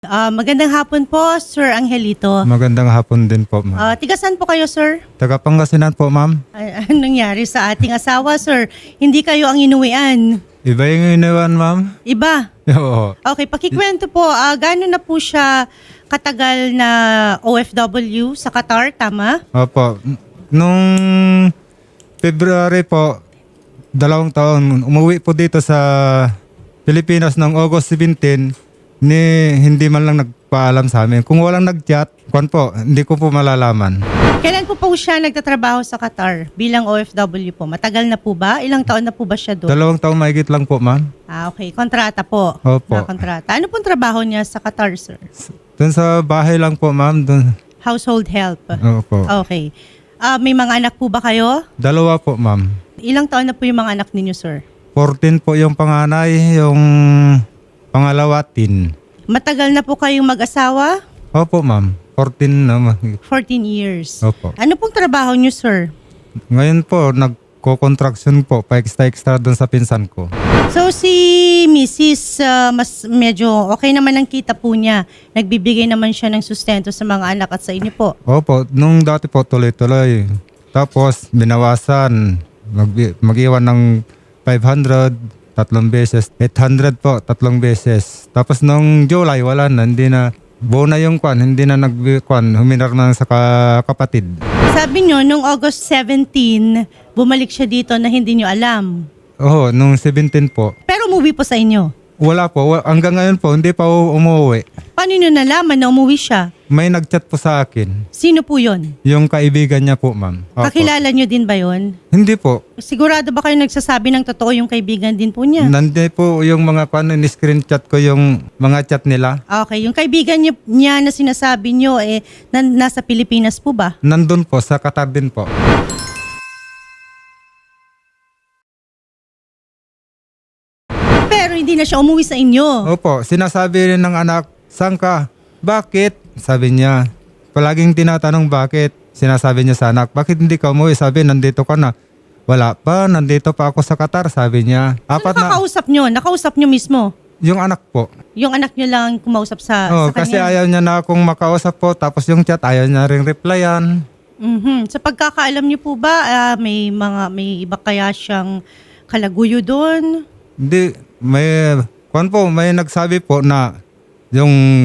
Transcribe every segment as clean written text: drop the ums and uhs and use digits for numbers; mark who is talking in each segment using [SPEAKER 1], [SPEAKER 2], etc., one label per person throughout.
[SPEAKER 1] Magandang hapon po, Sir Angelito.
[SPEAKER 2] Magandang hapon din po, ma'am.
[SPEAKER 1] Tiga saan po kayo, sir?
[SPEAKER 2] Taga Pangasinan po, ma'am.
[SPEAKER 1] Anong nangyari sa ating asawa, sir? Hindi kayo ang inuwian.
[SPEAKER 2] Iba yung iniwan, ma'am?
[SPEAKER 1] Iba?
[SPEAKER 2] Oo.
[SPEAKER 1] Okay, pakikwento po, gaano na po siya katagal na OFW sa Qatar, tama?
[SPEAKER 2] Opo. Nung February po, 2 taon, umuwi po dito sa Pilipinas ng August 17, hindi man lang nagpaalam sa amin. Kung walang nag-chat, hindi ko po malalaman.
[SPEAKER 1] Kailan po siya nagtatrabaho sa Qatar bilang OFW po? Matagal na po ba? Ilang taon na po ba siya doon?
[SPEAKER 2] 2 taon mahigit lang po, ma'am.
[SPEAKER 1] Okay. Kontrata po.
[SPEAKER 2] Opo.
[SPEAKER 1] Kontrata. Ano pong trabaho niya sa Qatar, sir?
[SPEAKER 2] Doon sa bahay lang po, ma'am.
[SPEAKER 1] Household help.
[SPEAKER 2] Opo.
[SPEAKER 1] Okay. May mga anak po ba kayo?
[SPEAKER 2] 2 po, ma'am.
[SPEAKER 1] Ilang taon na po yung mga anak ninyo, sir?
[SPEAKER 2] 14 po yung panganay, yung pangalawa, 10.
[SPEAKER 1] Matagal na po kayong mag-asawa?
[SPEAKER 2] Opo, ma'am. 14 na.
[SPEAKER 1] 14 years.
[SPEAKER 2] Opo.
[SPEAKER 1] Ano pong trabaho niyo, sir?
[SPEAKER 2] Ngayon po, nagko-contraction po, pa-extra doon sa pinsan ko.
[SPEAKER 1] So si Mrs. Mas medyo okay naman ang kita po niya. Nagbibigay naman siya ng sustento sa mga anak at sa inyo po.
[SPEAKER 2] Opo, nung dati po tuloy-tuloy. Tapos binawasan, mag-iwan ng 500, 3 beses. 800 po, 3 beses. Tapos nung July, wala na, hindi na. Buo na yung hindi na huminar na sa kapatid.
[SPEAKER 1] Sabi niyo, nung August 17, bumalik siya dito na hindi niyo alam.
[SPEAKER 2] Oo, nung 17 po.
[SPEAKER 1] Pero umuwi po sa inyo.
[SPEAKER 2] Wala po, hanggang ngayon po, hindi pa umuwi.
[SPEAKER 1] Paano niyo nalaman na umuwi siya?
[SPEAKER 2] May nag-chat po sa akin.
[SPEAKER 1] Sino po yon?
[SPEAKER 2] Yung kaibigan niya po, ma'am. Opo.
[SPEAKER 1] Kakilala niyo din ba yon?
[SPEAKER 2] Hindi po.
[SPEAKER 1] Sigurado ba kayo nagsasabi ng totoo yung kaibigan din po niya?
[SPEAKER 2] Nandiyan po yung mga ni-screen chat ko yung mga chat nila.
[SPEAKER 1] Okay, yung kaibigan niya na sinasabi niyo nasa Pilipinas po ba?
[SPEAKER 2] Nandun po, sa Qatar din po.
[SPEAKER 1] Pero hindi na siya umuwi sa inyo.
[SPEAKER 2] Opo, sinasabi rin ng anak, saan ka? Bakit? Sabi niya. Palaging tinatanong bakit. Sinasabi niya sa anak, bakit hindi ka umuwi? Sabi, nandito ka na. Wala pa, nandito pa ako sa Qatar, sabi niya.
[SPEAKER 1] Nakakausap niyo? Nakausap niyo mismo?
[SPEAKER 2] Yung anak po.
[SPEAKER 1] Yung anak niyo lang kumausap sa kanya?
[SPEAKER 2] Kasi ayaw niya na akong makausap po. Tapos yung chat, ayaw niya ring replyan.
[SPEAKER 1] Sa pagkakaalam niyo po ba, may iba kaya siyang kalaguyo doon?
[SPEAKER 2] Hindi, may nagsabi po na yung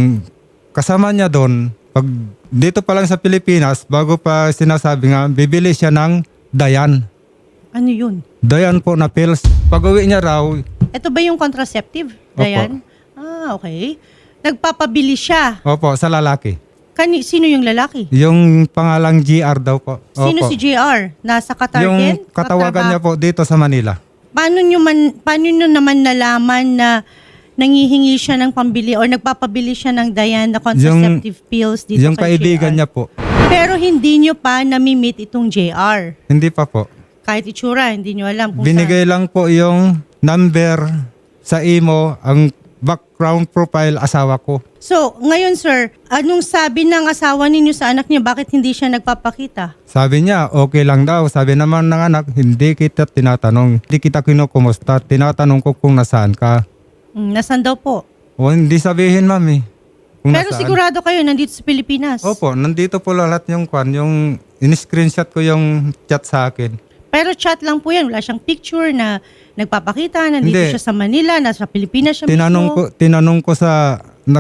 [SPEAKER 2] kasama niya doon, pag dito pa lang sa Pilipinas, bago pa sinasabi nga, bibili siya ng Dayan.
[SPEAKER 1] Ano yun?
[SPEAKER 2] Dayan po na pills. Pag uwi niya raw,
[SPEAKER 1] Ito ba yung contraceptive,
[SPEAKER 2] Opo.
[SPEAKER 1] Dayan? Okay. Nagpapabili siya.
[SPEAKER 2] opo, sa lalaki.
[SPEAKER 1] Sino yung lalaki?
[SPEAKER 2] Yung pangalang GR daw po.
[SPEAKER 1] Sino
[SPEAKER 2] Opo.
[SPEAKER 1] si JR? Nasa Qatar
[SPEAKER 2] Yung
[SPEAKER 1] din?
[SPEAKER 2] katawagan niya po dito sa Manila.
[SPEAKER 1] Paano nyo naman nalaman na nangihingi siya ng pambili or nagpapabili siya ng Dayan na contraceptive pills dito
[SPEAKER 2] Yung
[SPEAKER 1] kay
[SPEAKER 2] kaibigan
[SPEAKER 1] JR?
[SPEAKER 2] niya po.
[SPEAKER 1] Pero hindi nyo pa nami-meet itong JR.
[SPEAKER 2] Hindi pa po.
[SPEAKER 1] Kahit itsura, hindi nyo alam kung
[SPEAKER 2] Binigay lang po yung number sa imo, ang background profile asawa ko.
[SPEAKER 1] So, ngayon sir, anong sabi ng asawa ninyo sa anak niya? Bakit hindi siya nagpapakita?
[SPEAKER 2] Sabi niya, okay lang daw. Sabi naman ng anak, hindi kita tinatanong. Hindi kita kinukumusta. Tinatanong ko kung nasaan ka.
[SPEAKER 1] Nasaan daw po?
[SPEAKER 2] O hindi sabihin, mami. Kung
[SPEAKER 1] Pero
[SPEAKER 2] nasaan.
[SPEAKER 1] sigurado kayo, nandito sa Pilipinas.
[SPEAKER 2] Opo, nandito po lahat yung yung in-screenshot ko yung chat sa akin.
[SPEAKER 1] Pero chat lang po yan. Wala siyang picture na nagpapakita. Nandito
[SPEAKER 2] Hindi.
[SPEAKER 1] siya sa Manila, nasa Pilipinas siya
[SPEAKER 2] Tinanong ko sa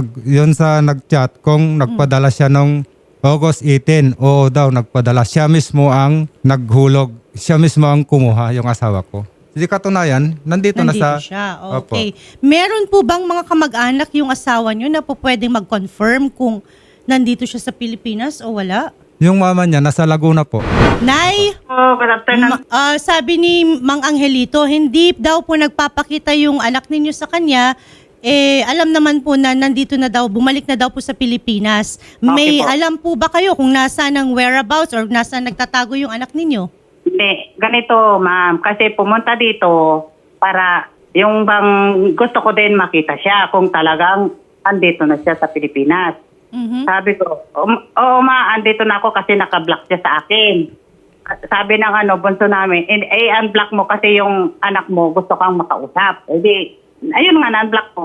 [SPEAKER 2] nag-chat kung nagpadala siya nung August 18. Oo daw, nagpadala. Siya mismo ang naghulog. Siya mismo ang kumuha, yung asawa ko. Hindi katunayan, nandito na sa...
[SPEAKER 1] siya. Okay. Meron po bang mga kamag-anak yung asawa niyo na po pwedeng mag-confirm kung nandito siya sa Pilipinas o wala?
[SPEAKER 2] Yung mama niya, nasa Laguna po.
[SPEAKER 1] Nay,
[SPEAKER 3] Good afternoon.
[SPEAKER 1] sabi ni Mang Angelito, hindi daw po nagpapakita yung anak ninyo sa kanya. Alam naman po na nandito na daw, bumalik na daw po sa Pilipinas. May
[SPEAKER 3] po.
[SPEAKER 1] alam po ba kayo kung nasaan ang whereabouts or nasaan nagtatago yung anak ninyo?
[SPEAKER 3] Hindi, ganito ma'am, kasi pumunta dito para yung bang gusto ko din makita siya kung talagang andito na siya sa Pilipinas. Sabi ko, oo ma, andito na ako kasi naka-block siya sa akin. Sabi ng bunso namin, unblock mo kasi yung anak mo gusto kang makausap. Ayun nga, na-unblock mo.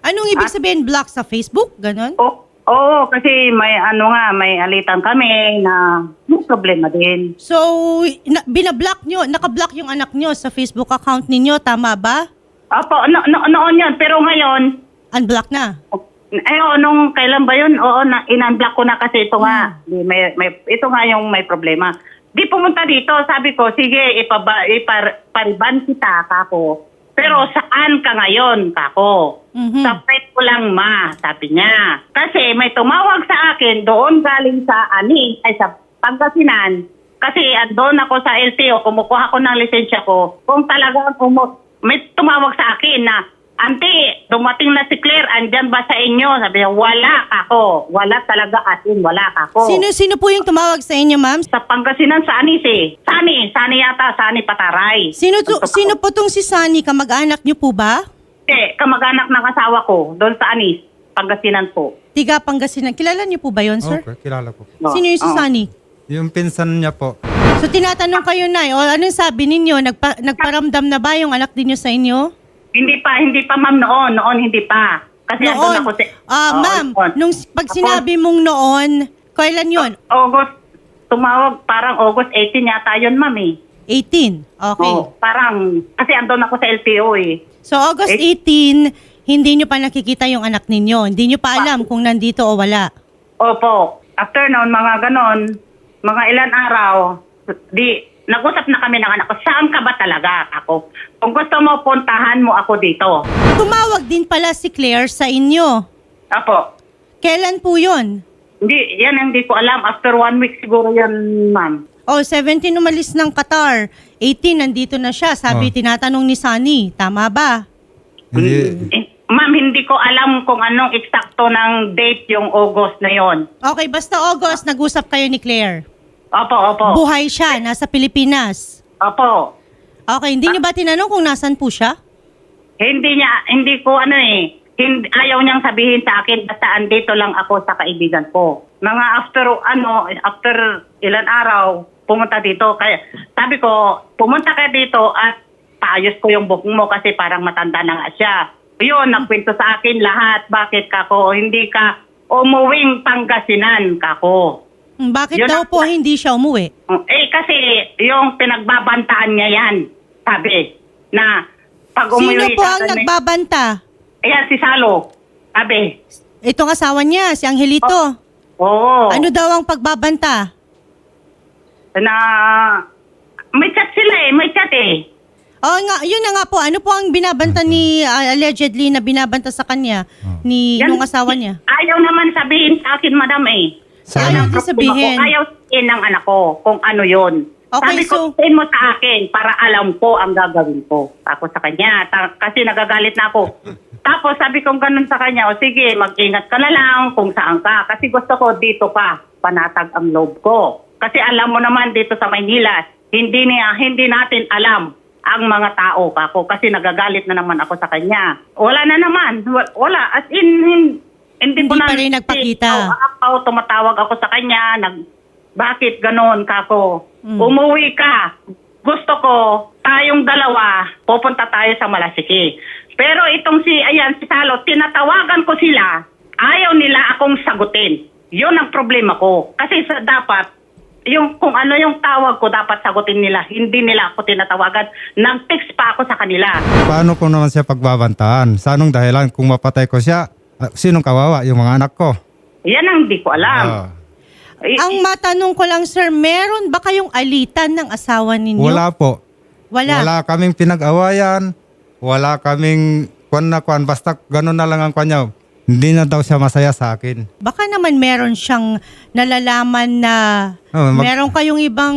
[SPEAKER 1] Anong ibig sabihin block sa Facebook? Ganon?
[SPEAKER 3] Oo, kasi may may alitan kami na may problema din.
[SPEAKER 1] So, binablock nyo, nakablock yung anak nyo sa Facebook account ninyo, tama ba?
[SPEAKER 3] Opo, noon yun. Pero ngayon,
[SPEAKER 1] Unblock na.
[SPEAKER 3] nung kailan ba yun? Oo, in-unblock ko na kasi ito nga. Ito nga yung may problema. Di pumunta dito, sabi ko, sige, ipariban kita, kako. Pero saan ka ngayon, kako? Sa pet ko lang, ma, sabi niya. Kasi may tumawag sa akin doon galing sa sa Pangasinan. Kasi doon ako sa LTO, kumukuha ko ng lisensya ko. Kung talagang may tumawag sa akin na, Auntie, dumating na si Claire, andyan ba sa inyo? Sabi niya, wala kako. Wala talaga wala kako.
[SPEAKER 1] Sino po yung tumawag sa inyo, ma'am?
[SPEAKER 3] Sa Pangasinan, sa Anis eh. Sani yata, Sani Pataray.
[SPEAKER 1] Sino po tong si Sunny? Kamag-anak niyo po ba?
[SPEAKER 3] Kamag-anak ng asawa ko, doon sa Anis, Pangasinan po.
[SPEAKER 1] Tiga Pangasinan. Kilala niyo po ba yon, sir?
[SPEAKER 2] Okay, kilala ko.
[SPEAKER 1] Sino yung si Sunny?
[SPEAKER 2] Yung pinsan niya po.
[SPEAKER 1] So tinatanong kayo na, o anong sabi ninyo? Nagparamdam na ba yung anak din niyo sa inyo?
[SPEAKER 3] Hindi pa ma'am noon hindi pa. Kasi andun ako
[SPEAKER 1] ma'am, pag sinabi mong noon, kailan yun?
[SPEAKER 3] August, tumawag parang August 18 yata yun ma'am eh.
[SPEAKER 1] 18? Okay.
[SPEAKER 3] Parang, kasi andun ako sa LTO eh.
[SPEAKER 1] So August 18, hindi nyo pa nakikita yung anak ninyo. Hindi nyo pa alam kung nandito o wala.
[SPEAKER 3] Opo. After noon, mga ganon, mga ilan araw, nag-usap na kami ng anak ko, saan ka ba talaga ako? Kung gusto mo, puntahan mo ako dito.
[SPEAKER 1] Tumawag din pala si Claire sa inyo.
[SPEAKER 3] Apo.
[SPEAKER 1] Kailan po yun?
[SPEAKER 3] Hindi ko alam. After 1 week siguro yan, ma'am.
[SPEAKER 1] 17 umalis ng Qatar. 18, nandito na siya. Sabi, tinatanong ni Sunny. Tama ba?
[SPEAKER 3] Ma'am, hindi ko alam kung anong eksakto ng date yung August na yon.
[SPEAKER 1] Okay, basta August, nag-usap kayo ni Claire.
[SPEAKER 3] Opo.
[SPEAKER 1] Buhay siya, nasa Pilipinas.
[SPEAKER 3] Opo.
[SPEAKER 1] Okay, hindi niyo ba tinanong kung nasan po siya?
[SPEAKER 3] Hindi ko ayaw niyang sabihin sa akin basta andito lang ako sa kaibigan ko. Mga after ilan araw, pumunta dito. Kaya sabi ko, pumunta ka dito at paayos ko yung buhok mo kasi parang matanda na nga siya. Yun, nagkwento sa akin lahat. Bakit kako, hindi ka umuwing Pangasinan kako?
[SPEAKER 1] Bakit daw po hindi siya umuwi?
[SPEAKER 3] Kasi yung pinagbabantaan niya yan, sabi, na pag umuwi...
[SPEAKER 1] Sino po ang nagbabanta?
[SPEAKER 3] Ayan, si Salo, sabi.
[SPEAKER 1] Itong asawa niya, si Angelito.
[SPEAKER 3] Oo.
[SPEAKER 1] Ano daw ang pagbabanta?
[SPEAKER 3] Na may chat sila may chat eh.
[SPEAKER 1] Oo nga, yun na nga po. Ano po ang binabanta ni, allegedly na binabanta sa kanya, nung asawa niya?
[SPEAKER 3] Ayaw naman sabihin sa akin, madam eh.
[SPEAKER 1] Ayaw din sabihin.
[SPEAKER 3] Ayaw sabihin ng anak ko kung ano yun.
[SPEAKER 1] Okay,
[SPEAKER 3] sabi ko, sabihin mo sa akin para alam ko ang gagawin ko. Ako sa kanya, kasi nagagalit na ako. Tapos sabi ko ganun sa kanya, o sige, mag-ingat ka na lang kung saan ka. Kasi gusto ko dito pa, panatag ang loob ko. Kasi alam mo naman dito sa Maynila, hindi natin alam ang mga tao kako. Kasi nagagalit na naman ako sa kanya. Wala na naman. Wala. As in, hindi
[SPEAKER 1] pa rin nagpakita.
[SPEAKER 3] Tumatawag ako sa kanya, bakit ganon kako? Umuwi ka. Gusto ko, tayong dalawa, pupunta tayo sa Malasiki. Pero itong si Salo, tinatawagan ko sila, ayaw nila akong sagutin. Yun ang problema ko. Kasi dapat, kung ano yung tawag ko, dapat sagutin nila. Hindi nila ako tinatawagan. Nag-text pa ako sa kanila.
[SPEAKER 2] Paano ko naman siya pagbabantaan? Sa anong dahilan? Kung mapatay ko siya, sinong kawawa? Yung mga anak ko.
[SPEAKER 3] Yan ang hindi ko alam.
[SPEAKER 1] Ang matanong ko lang, sir, meron ba kayong alitan ng asawa ninyo?
[SPEAKER 2] Wala po.
[SPEAKER 1] Wala
[SPEAKER 2] kaming pinag-awayan. Wala kaming kwan. Basta gano'n na lang ang kanya. Hindi na daw siya masaya sa akin.
[SPEAKER 1] Baka naman meron siyang nalalaman na meron kayong ibang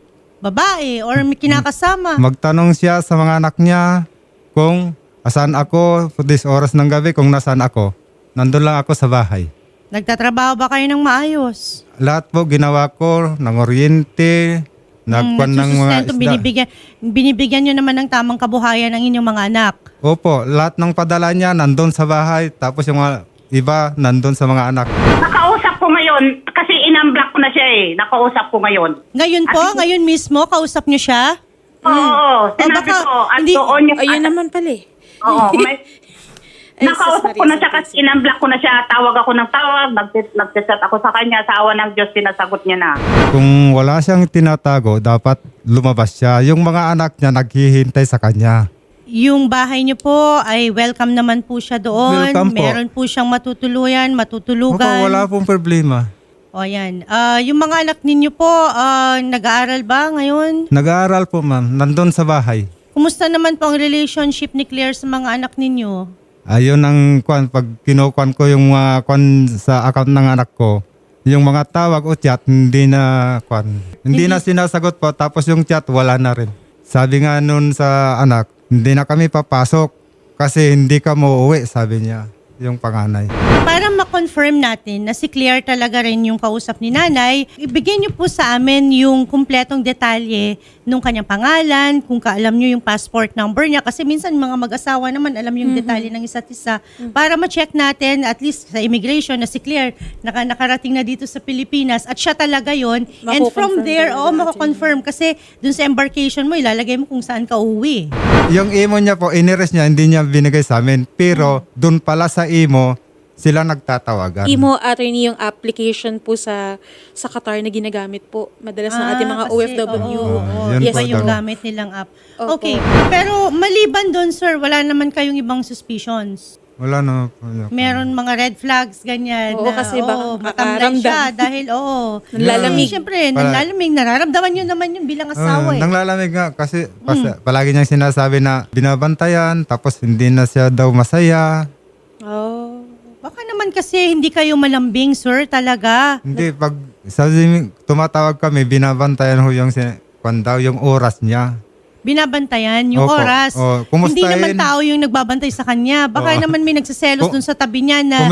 [SPEAKER 1] babae or may kinakasama.
[SPEAKER 2] Magtanong siya sa mga anak niya kung asan ako this oras ng gabi, kung nasaan ako. Nandun lang ako sa bahay.
[SPEAKER 1] Nagtatrabaho ba kayo ng maayos?
[SPEAKER 2] Lahat po ginawa ko, ng oryente, nagkuhan ng mga isda.
[SPEAKER 1] Binibigyan nyo naman ng tamang kabuhayan ng inyong mga anak.
[SPEAKER 2] Opo, lahat ng padala niya nandun sa bahay, tapos yung mga iba nandun sa mga anak.
[SPEAKER 3] Nakausap ko ngayon, kasi in-unblock ko na siya nakausap ko ngayon.
[SPEAKER 1] Ngayon po, ngayon mismo, kausap nyo siya?
[SPEAKER 3] Oo, sinabi ko. At doon yung...
[SPEAKER 4] Ayun naman pala eh.
[SPEAKER 3] Oo,
[SPEAKER 4] Ay,
[SPEAKER 3] Nakausap
[SPEAKER 4] sis
[SPEAKER 3] ko na
[SPEAKER 4] Maria
[SPEAKER 3] siya kasi
[SPEAKER 4] Santos.
[SPEAKER 3] inunblock ko na siya. Tawag ako ng tawag. Nag-chat ako sa kanya. Sa awa ng Diyos, sinasagot niya na.
[SPEAKER 2] Kung wala siyang tinatago, dapat lumabas siya. Yung mga anak niya naghihintay sa kanya.
[SPEAKER 1] Yung bahay niyo po ay welcome naman po siya doon.
[SPEAKER 2] Welcome po.
[SPEAKER 1] Meron po siyang matutuluyan,
[SPEAKER 2] Opo,
[SPEAKER 1] matutulugan.
[SPEAKER 2] wala pong problema.
[SPEAKER 1] O yan. Yung mga anak ninyo po, nag-aaral ba ngayon?
[SPEAKER 2] Nag-aaral po ma'am, nandun sa bahay.
[SPEAKER 1] Kumusta naman po ang relationship ni Claire sa mga anak ninyo?
[SPEAKER 2] Ayun ang pag kinukuan ko yung mga kwan sa account ng anak ko, yung mga tawag o chat, hindi na sinasagot po, tapos yung chat wala na rin. Sabi nga nun sa anak, hindi na kami papasok kasi hindi ka mauuwi, sabi niya, yung panganay.
[SPEAKER 1] Para ma-confirm natin na si Claire talaga rin yung kausap ni nanay, ibigay niyo po sa amin yung kumpletong detalye nung kanyang pangalan, kung kaalam niyo yung passport number niya. Kasi minsan mga mag-asawa naman alam yung detalye ng isa't isa. Para ma-check natin, at least sa immigration, na si Claire nakarating na dito sa Pilipinas at siya talaga yon. And from
[SPEAKER 4] Mako-confirm
[SPEAKER 1] there,
[SPEAKER 4] talaga natin.
[SPEAKER 1] mako-confirm. Kasi dun sa embarkation mo, ilalagay mo kung saan ka uuwi.
[SPEAKER 2] Yung imo niya po, inires niya, hindi niya binigay sa amin. Pero dun pala sa imo, sila nagtatawagan.
[SPEAKER 4] Imo attorney yung application po sa Qatar na ginagamit po madalas ng ating mga
[SPEAKER 1] kasi,
[SPEAKER 4] OFW.
[SPEAKER 1] oo,
[SPEAKER 2] Yun
[SPEAKER 1] iba
[SPEAKER 2] po
[SPEAKER 1] yung
[SPEAKER 2] daw.
[SPEAKER 1] gamit nilang app.
[SPEAKER 4] Opo.
[SPEAKER 1] Okay. Pero maliban doon, sir, wala naman kayong ibang suspicions.
[SPEAKER 2] Wala na po.
[SPEAKER 1] Meron mga red flags, ganyan.
[SPEAKER 4] Oo, kasi baka
[SPEAKER 1] matamlay
[SPEAKER 4] makaramdam.
[SPEAKER 1] siya dahil,
[SPEAKER 4] Nanlalamig.
[SPEAKER 1] Siyempre,
[SPEAKER 2] Para-
[SPEAKER 1] nanlalamig. Nararamdaman nyo naman yung bilang asawa eh.
[SPEAKER 2] Nanglalamig nga kasi palagi niyang sinasabi na binabantayan, tapos hindi na siya daw masaya.
[SPEAKER 4] Oh.
[SPEAKER 1] Baka naman kasi hindi kayo malambing, sir, talaga.
[SPEAKER 2] Hindi, pag tumatawag kami, binabantayan ho yung daw, yung oras niya.
[SPEAKER 1] Binabantayan yung
[SPEAKER 2] Opo.
[SPEAKER 1] oras.
[SPEAKER 2] Oh, kumustahin.
[SPEAKER 1] Hindi naman tao yung nagbabantay sa kanya. Baka
[SPEAKER 2] Oo.
[SPEAKER 1] naman may nagsiselos dun sa tabi niya na...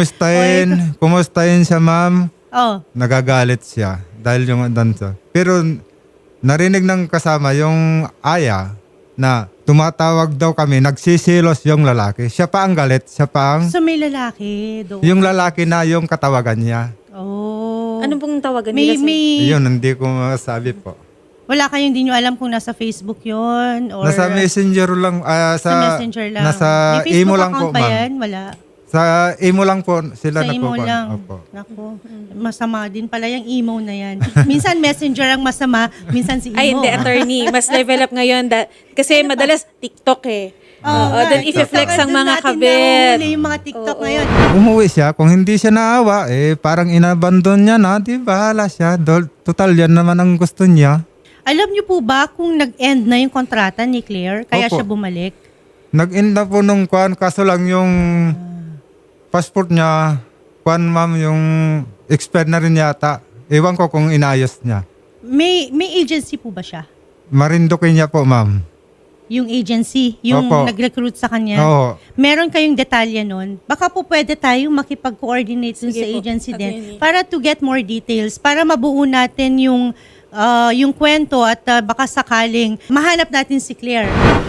[SPEAKER 2] Kumustahin siya, ma'am.
[SPEAKER 1] Oh,
[SPEAKER 2] Nagagalit siya dahil yung dansa. Pero narinig ng kasama yung aya na tumatawag daw kami, nagsisilos yung lalaki. Siya pa ang galit, siya pa ang...
[SPEAKER 1] so may lalaki doon.
[SPEAKER 2] Yung lalaki na yung katawagan niya.
[SPEAKER 1] Oh.
[SPEAKER 4] Anong pong tawagan
[SPEAKER 1] May,
[SPEAKER 4] nila?
[SPEAKER 1] may,
[SPEAKER 2] Yun, hindi ko masabi po.
[SPEAKER 1] wala kayong hindi nyo alam kung nasa Facebook yon or
[SPEAKER 2] Nasa messenger lang,
[SPEAKER 1] sa Messenger lang.
[SPEAKER 2] Nasa
[SPEAKER 1] May Facebook
[SPEAKER 2] imo lang
[SPEAKER 1] account
[SPEAKER 2] po,
[SPEAKER 1] ba
[SPEAKER 2] ma'am.
[SPEAKER 1] yan? Wala.
[SPEAKER 2] Sa imo lang po sila
[SPEAKER 1] Sa imo
[SPEAKER 2] nagkukuhan.
[SPEAKER 1] lang.
[SPEAKER 2] Opo.
[SPEAKER 1] Naku, masama din pala yung emo na yan. Minsan Messenger ang masama, minsan si emo.
[SPEAKER 4] Ay, hindi, attorney. Mas level up ngayon. Kasi madalas TikTok eh. Oo, doon i-flex ang mga kabit.
[SPEAKER 1] Nahuli yung mga TikTok
[SPEAKER 4] Oo.
[SPEAKER 1] ngayon.
[SPEAKER 2] Umuwi siya, kung hindi siya naawa, parang inabandon niya na, di bahala siya. Total, yan naman ang gusto niya.
[SPEAKER 1] Alam niyo po ba kung nag-end na yung kontrata ni Claire, kaya
[SPEAKER 2] Opo.
[SPEAKER 1] siya bumalik?
[SPEAKER 2] Nag-end na po nung kwan, kaso lang yung passport niya, kwan ma'am, yung expired na rin yata. Ewan ko kung inayos niya.
[SPEAKER 1] May agency po ba siya?
[SPEAKER 2] Marinduque niya po, ma'am.
[SPEAKER 1] Yung agency, yung
[SPEAKER 2] Opo.
[SPEAKER 1] nag-recruit sa kanya?
[SPEAKER 2] Oo.
[SPEAKER 1] Meron kayong detalye nun? Baka po pwede tayong makipag-coordinate dun
[SPEAKER 4] Sige
[SPEAKER 1] sa
[SPEAKER 4] po,
[SPEAKER 1] agency din
[SPEAKER 4] attorney.
[SPEAKER 1] para to get more details, para mabuo natin yung kwento at baka sakaling mahanap natin si Claire.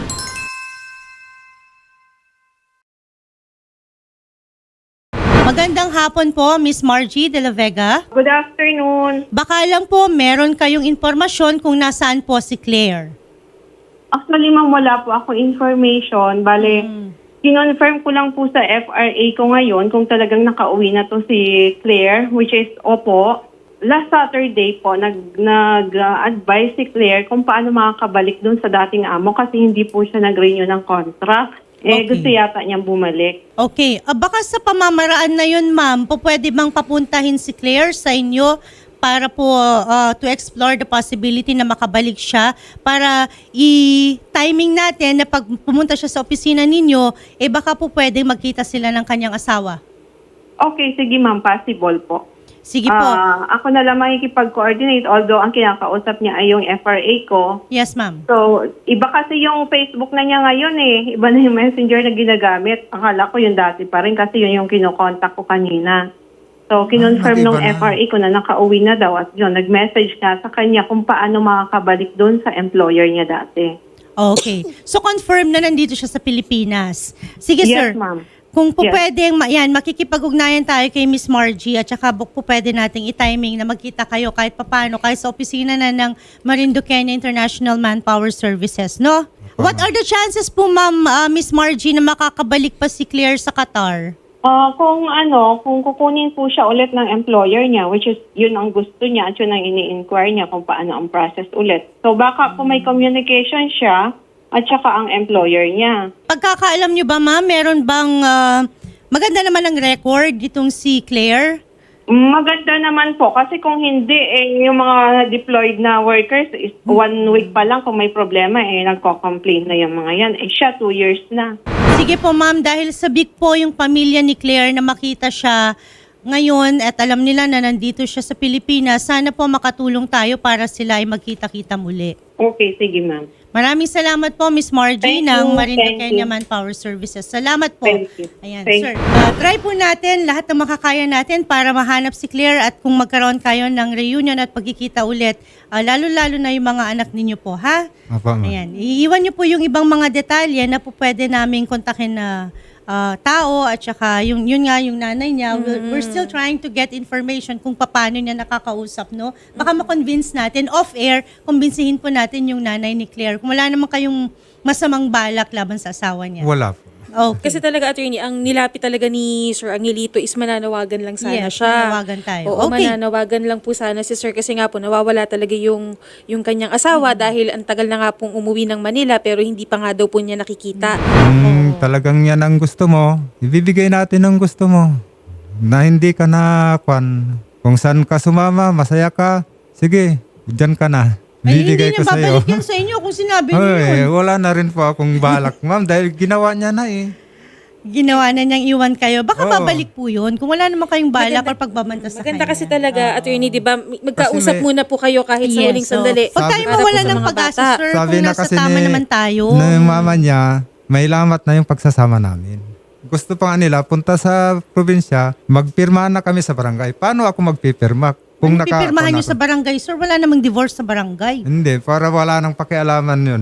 [SPEAKER 1] Magandang hapon po, Miss Margie de la Vega.
[SPEAKER 5] Good afternoon.
[SPEAKER 1] Baka lang po meron kayong informasyon kung nasaan po si Claire.
[SPEAKER 5] Actually, ma'am, wala po ako information. Bale, kinonfirm ko lang po sa FRA ko ngayon kung talagang nakauwi na to si Claire, which is opo. Last Saturday po, nag-advise si Claire kung paano makakabalik dun sa dating amo kasi hindi po siya nag-renew ng contract.
[SPEAKER 1] Okay.
[SPEAKER 5] Gusto yata niyang bumalik.
[SPEAKER 1] Okay. Baka sa pamamaraan na yun, ma'am, po pwede bang papuntahin si Claire sa inyo para po to explore the possibility na makabalik siya para i-timing natin na pag pumunta siya sa opisina ninyo, baka po pwede magkita sila ng kanyang asawa.
[SPEAKER 5] Okay, sige ma'am, possible po.
[SPEAKER 1] Sige po.
[SPEAKER 5] Ako na lang makikipag-coordinate although ang kinakausap niya ay yung FRA ko.
[SPEAKER 1] Yes, ma'am.
[SPEAKER 5] So, iba kasi yung Facebook na niya ngayon eh. Iba na yung messenger na ginagamit. Akala ko yung dati pa rin kasi yun yung kinokontak ko kanina. So, kinonfirm
[SPEAKER 2] nag-iba
[SPEAKER 5] nung
[SPEAKER 2] na.
[SPEAKER 5] FRA ko na nakauwi na daw at yun, nag-message nga sa kanya kung paano makakabalik doon sa employer niya dati.
[SPEAKER 1] Okay. So, confirm na nandito siya sa Pilipinas. Sige, sir.
[SPEAKER 5] Yes, ma'am.
[SPEAKER 1] Kung po
[SPEAKER 5] Yes.
[SPEAKER 1] pwedeng, makikipag-ugnayan tayo kay Miss Margie at saka po pwede nating i-timing na magkita kayo kahit papano, kahit sa opisina na ng Marinduque International Manpower Services, no?
[SPEAKER 2] po.
[SPEAKER 1] What are the chances po, ma'am, Miss Margie, na makakabalik pa si Claire sa Qatar?
[SPEAKER 5] Kung kukunin po siya ulit ng employer niya, which is yun ang gusto niya at yun ang ini-inquire niya kung paano ang process ulit. So baka kung may communication siya at saka ang employer niya.
[SPEAKER 1] Pagkakaalam nyo ba, ma'am, meron bang maganda naman ang record itong si Claire?
[SPEAKER 5] Maganda naman po kasi kung hindi, yung mga deployed na workers, is 1 week pa lang kung may problema, nagko-complain na yung mga yan. Siya 2 years na.
[SPEAKER 1] Sige po, ma'am, dahil sabik po yung pamilya ni Claire na makita siya ngayon at alam nila na nandito siya sa Pilipinas, sana po makatulong tayo para sila ay magkita-kita muli.
[SPEAKER 5] Okay, sige ma'am.
[SPEAKER 1] Maraming salamat po, Miss Margie,
[SPEAKER 5] Thank
[SPEAKER 1] ng
[SPEAKER 5] you,
[SPEAKER 1] Marinduque
[SPEAKER 5] thank you.
[SPEAKER 1] Manpower Services. Salamat po.
[SPEAKER 5] Thank you.
[SPEAKER 1] Ayan,
[SPEAKER 5] Thank
[SPEAKER 1] sir. Try po natin lahat ng makakaya natin para mahanap si Claire at kung magkaroon kayo ng reunion at pagkikita ulit, lalo-lalo na yung mga anak ninyo po, ha?
[SPEAKER 2] Opo, ma'am.
[SPEAKER 1] Ayan. Iiwan niyo po yung ibang mga detalye na po pwede naming kontakin na tao at saka yun nga yung nanay niya. We're still trying to get information kung paano niya nakakausap, no? Baka ma-convince natin off-air, kumbinsihin po natin yung nanay ni Claire. Kung wala naman kayong masamang balak laban sa asawa niya.
[SPEAKER 2] Wala po.
[SPEAKER 1] Okay.
[SPEAKER 4] Kasi talaga, attorney, ang nilapit talaga ni Sir Angelito is mananawagan lang sana
[SPEAKER 1] Yes,
[SPEAKER 4] siya.
[SPEAKER 1] mananawagan tayo.
[SPEAKER 4] Oo,
[SPEAKER 1] Okay.
[SPEAKER 4] mananawagan lang po sana si Sir kasi nga po nawawala talaga yung kanyang asawa dahil ang tagal na nga pong umuwi ng Manila pero hindi pa nga daw po niya nakikita.
[SPEAKER 2] Kung talagang yan ang gusto mo, ibibigay natin ang gusto mo. Na hindi ka na kung saan ka sumama, masaya ka, sige, dyan ka na.
[SPEAKER 1] Ay, hindi
[SPEAKER 2] Bibigay
[SPEAKER 1] niya
[SPEAKER 2] ko sa'yo.
[SPEAKER 1] babalik yan sa inyo kung sinabi niyo
[SPEAKER 2] Ay,
[SPEAKER 1] yun.
[SPEAKER 2] wala na rin po akong balak, ma'am, dahil ginawa niya na eh.
[SPEAKER 1] Ginawa na niyang iwan kayo. Baka
[SPEAKER 2] Oo.
[SPEAKER 1] babalik po yun kung wala naman kayong balak or pagbabanta sa
[SPEAKER 4] Maganda
[SPEAKER 1] kanya.
[SPEAKER 4] kasi talaga, attorney, di ba? Magkausap
[SPEAKER 2] Kasi may-
[SPEAKER 4] muna po kayo kahit sa huling
[SPEAKER 1] so,
[SPEAKER 4] sandali.
[SPEAKER 1] Pag tayo
[SPEAKER 4] Para po
[SPEAKER 1] mawala
[SPEAKER 4] sa
[SPEAKER 1] ng
[SPEAKER 4] mga
[SPEAKER 1] pag-asa,
[SPEAKER 4] bata.
[SPEAKER 1] sir,
[SPEAKER 2] Sabi
[SPEAKER 1] kung
[SPEAKER 2] na
[SPEAKER 1] nasa
[SPEAKER 2] kasi
[SPEAKER 1] tama
[SPEAKER 2] ni,
[SPEAKER 1] naman tayo.
[SPEAKER 2] ng mama niya, may lamat na yung pagsasama namin. Gusto pa nga nila, punta sa probinsya, magpirma na kami sa barangay. Paano ako magpipirma? Kung
[SPEAKER 1] Ano pipirmahan niyo
[SPEAKER 2] ako-
[SPEAKER 1] sa barangay, sir? Wala namang divorce sa barangay.
[SPEAKER 2] Hindi, para wala nang pakialaman yun.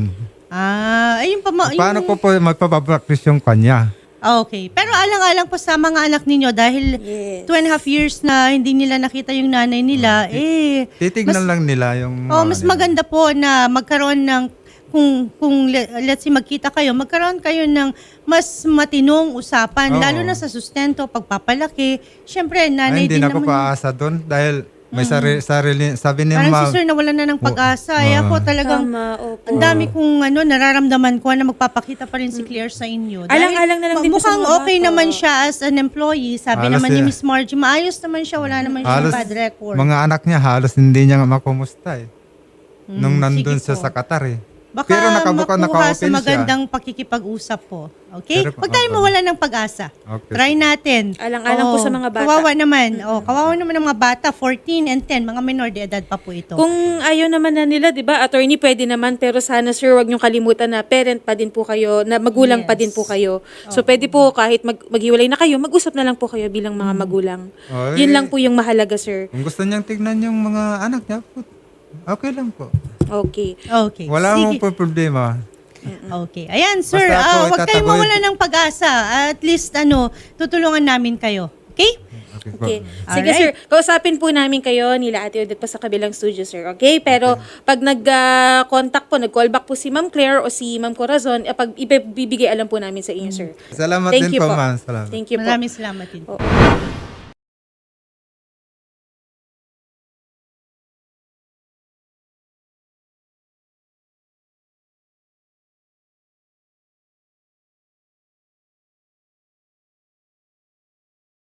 [SPEAKER 1] Ayun pa
[SPEAKER 2] Paano ko po magpapabraktis yung kanya?
[SPEAKER 1] Okay. Pero alang-alang po sa mga anak ninyo dahil
[SPEAKER 4] Yes.
[SPEAKER 1] 2.5 years na hindi nila nakita yung nanay nila,
[SPEAKER 2] Titignan lang nila yung...
[SPEAKER 1] mas maganda po na magkaroon ng let's say magkita kayo, magkaroon kayo ng mas matinong usapan,
[SPEAKER 2] Oo.
[SPEAKER 1] lalo na sa sustento, pagpapalaki. Siyempre, nanay
[SPEAKER 2] hindi
[SPEAKER 1] din
[SPEAKER 2] na ako
[SPEAKER 1] naman.
[SPEAKER 2] paasa doon dahil may sarili, sabi ni
[SPEAKER 1] Parang
[SPEAKER 2] ma'am,
[SPEAKER 1] si sir nawala na ng pag-asa. Ako talagang,
[SPEAKER 4] Tama, opo.
[SPEAKER 1] ang dami kong nararamdaman ko na magpapakita pa rin si Claire sa inyo.
[SPEAKER 4] Alang-alang na lang din po sa
[SPEAKER 1] mukhang
[SPEAKER 4] mga
[SPEAKER 1] okay
[SPEAKER 4] bata.
[SPEAKER 1] naman siya as an employee. Sabi
[SPEAKER 2] Halos
[SPEAKER 1] naman ni
[SPEAKER 2] yan.
[SPEAKER 1] Miss Margie, maayos naman siya. Wala naman siyang
[SPEAKER 2] halos
[SPEAKER 1] bad record.
[SPEAKER 2] mga anak niya halos hindi niya nga makumusta eh. Nung nandun
[SPEAKER 1] sige
[SPEAKER 2] siya
[SPEAKER 1] po.
[SPEAKER 2] sa Qatar eh.
[SPEAKER 1] Baka
[SPEAKER 2] Pero
[SPEAKER 1] makuha
[SPEAKER 2] naka-open
[SPEAKER 1] sa magandang pakikipag-usap po. Okay?
[SPEAKER 2] Pero-
[SPEAKER 1] Huwag tayo mawala ng pag-asa.
[SPEAKER 2] Okay.
[SPEAKER 1] Try natin.
[SPEAKER 4] Alang-alang po sa mga bata.
[SPEAKER 1] Kawawa naman. Kawawa naman ng mga bata. 14 and 10. Mga minor de edad pa po ito.
[SPEAKER 4] Kung ayaw naman na nila, 'di ba? Attorney, pwede naman pero sana sir, wag niyo kalimutan na parent pa din po kayo, na magulang pa
[SPEAKER 1] Yes.
[SPEAKER 4] din po kayo. So pwede po kahit maghiwalay na kayo, mag-usap na lang po kayo bilang mga magulang.
[SPEAKER 2] Ay.
[SPEAKER 4] Yun lang po yung mahalaga, sir.
[SPEAKER 2] Kung gusto niyang tignan yung mga anak niya, okay lang po.
[SPEAKER 4] Okay.
[SPEAKER 1] Okay.
[SPEAKER 2] Wala
[SPEAKER 1] Sige.
[SPEAKER 2] mong problema.
[SPEAKER 1] Okay. Ayan, sir.
[SPEAKER 2] Basta ako,
[SPEAKER 1] Huwag kayong
[SPEAKER 2] itataboy-
[SPEAKER 1] mawala ng pag-asa. At least, tutulungan namin kayo. Okay?
[SPEAKER 2] Okay po.
[SPEAKER 4] Okay. Sige,
[SPEAKER 1] Alright.
[SPEAKER 4] sir. Kausapin po namin kayo nila Ate Odette pa sa kabilang studio, sir. Okay? Pero pag nag-contact po, nag-call back po si Ma'am Claire o si Ma'am Corazon, pag ibibigay alam po namin sa inyo, sir.
[SPEAKER 2] Salamat
[SPEAKER 4] Thank
[SPEAKER 2] din
[SPEAKER 4] you
[SPEAKER 2] po,
[SPEAKER 4] po.
[SPEAKER 2] ma'am. Salamat.
[SPEAKER 4] Thank you po.
[SPEAKER 1] Maraming salamat din.
[SPEAKER 4] Oo.